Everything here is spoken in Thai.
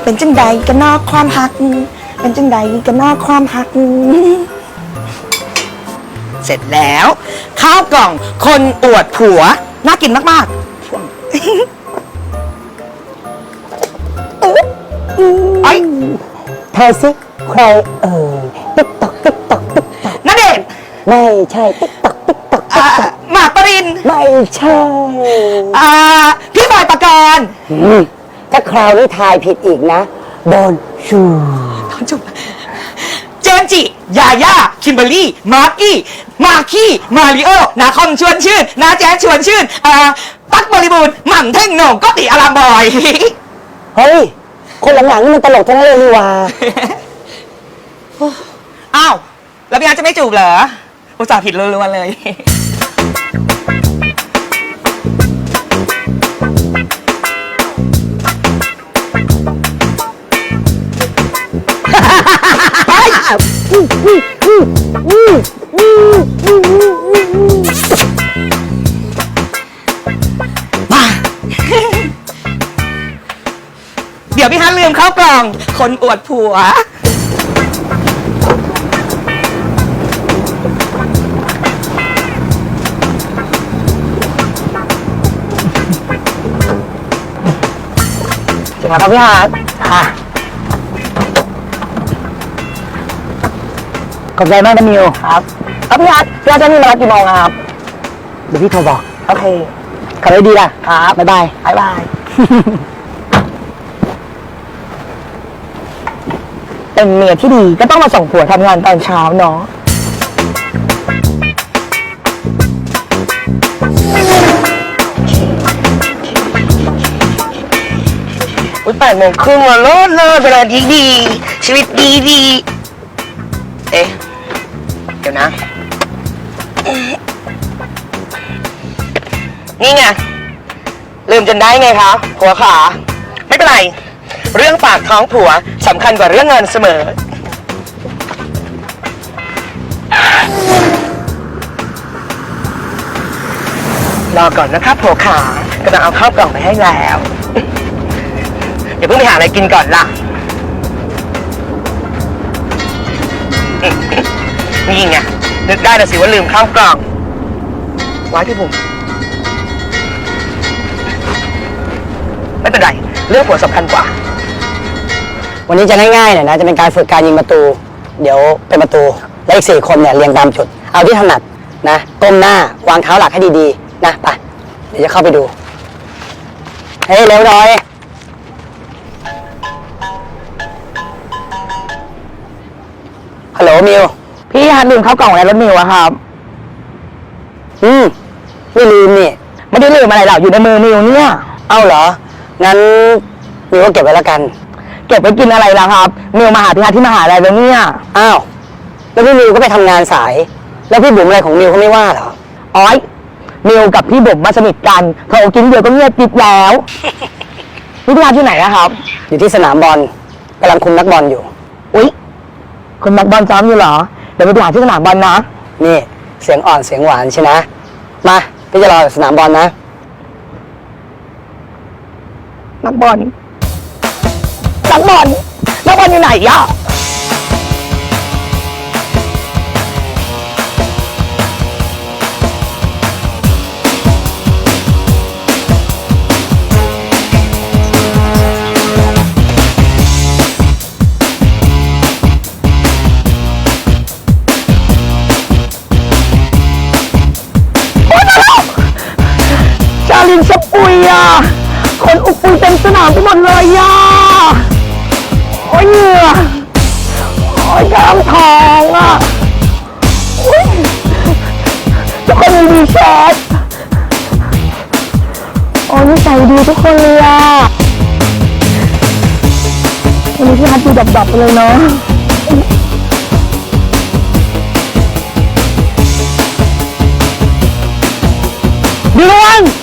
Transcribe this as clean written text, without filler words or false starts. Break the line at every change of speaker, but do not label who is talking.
เป็นจังใดกันนอกความหักเป็นจังใดกันนอกความหักเสร็จแล้วข้าวกล่องคนอวดผัวน่ากินมากๆไอ้
ทายสิใครติ๊กตอกติ๊กตอกติ๊กตอก
ณเดชน์
ไม่ใช่ติ๊กตอกติ๊กตอก
หมากปริน
ไม่ใช่
พี่บอยปกรณ์
ถ้าคราวนี้ทายผิดอีกนะโดนชู
จุบเจมจิยาย่าคิมเบอร์รี่มาร์กี้มาริโอนาคอมชวนชื่นนาแจ๊สชวนชื่นตั๊กบริบูรณ์หม่ำเท่งโหน่งก็ติอารามบอย
เฮ้ยคนหลังๆนี่มันตลกทั้งนั้นเลยนี่ว่า
อ้าวแล้วพี่อาร์ตจะไม่จูบเหรออุตส่าห์ผิดล้วนๆเลยมาเดี๋ยวพี่ฮันลืมเข้ากล่องคนอวดผัว
ครับพี่ฮาร์ดขอบใจมากนะมิวครับพี่ฮาร์ดจะมีมากี่โมงครับเดี๋ยวพี่โทรบอกโอเคขับรถดีล่ะครับบ๊ายบายเป็นเมียที่ดีก็ต้องมาส่งผัวทำงานตอนเช้าเนาะ
8 โมงครึ่งมาเลิศเวลาดีชีวิตดีเอ๊ะเดี๋ยวนะนี่ไงลืมจนได้ไงคะผัวขาไม่เป็นไรเรื่องปากท้องผัวสำคัญกว่าเรื่องเงินเสมอรอก่อนนะครับผัวขากำลังเอาข้าวกล่องไปให้แล้วอย่าเพิ่งไปหาอะไรกินก่อนล่ะนี่ไงนึกได้แล้วสิว่าลืมข้าวกล่องไว้ที่ผมไม่เป็นไรเรื่องผัวสำคัญกว่า
วันนี้จะง่ายๆหน่อยนะจะเป็นการฝึกการยิงประตูเดี๋ยวเป็นประตูและอีก4 คนเนี่ยเรียงตามจุดเอาที่ถนัดนะก้มหน้าวางเท้าหลักให้ดีๆนะไปเดี๋ยวจะเข้าไปดูเฮ้ยเร็วหน่อยฮัลโหลมิวพี่ฮันลืมข้าวกล่องในรถมิวอะครับไม่ลืมนี่ไม่ได้ลืมอะไรหรอกอยู่ในมือมิวเนี่ยเอ้าเหรองั้นมิวก็เก็บไว้แล้วกันเก็บไว้กินอะไรล่ะครับมิวมาหาพี่ฮันที่มหาลัยแล้วเนี่ยอ้าวแล้วพี่มิวก็ไปทำงานสายแล้วพี่บุ๋มอะไรของมิวเขาไม่ว่าเหรออ๋อยมิวกับพี่บุ๋มมาสนิทกันพอกินเดียวก็เงียบปิดแล้วพี่ฮันที่ไหนอะครับอยู่ที่สนามบอลกำลังคุมนักบอลอยู่อุ๊ยคุณนักบอลซ้อมอยู่เหรอเดี๋ยวไปหาที่สนามบอลนะนี่เสียงอ่อนเสียงหวานใช่นะมาพี่จะรอสนามบอลนะนักบอลอยู่ไหนย่ะชาลินสปุยอ่ะคนอุปุยเต็มสนามไปหมดเลยอ่ะโอ้ยเหงื่อโอ้ยกล้ามทองอ่ะทุกคนมีดีแชทโอ้ยนิสัยดีทุกคนเลยอ่ะวันนี้พี่ฮัทดูดับๆไปเลยเนาะดีระวัง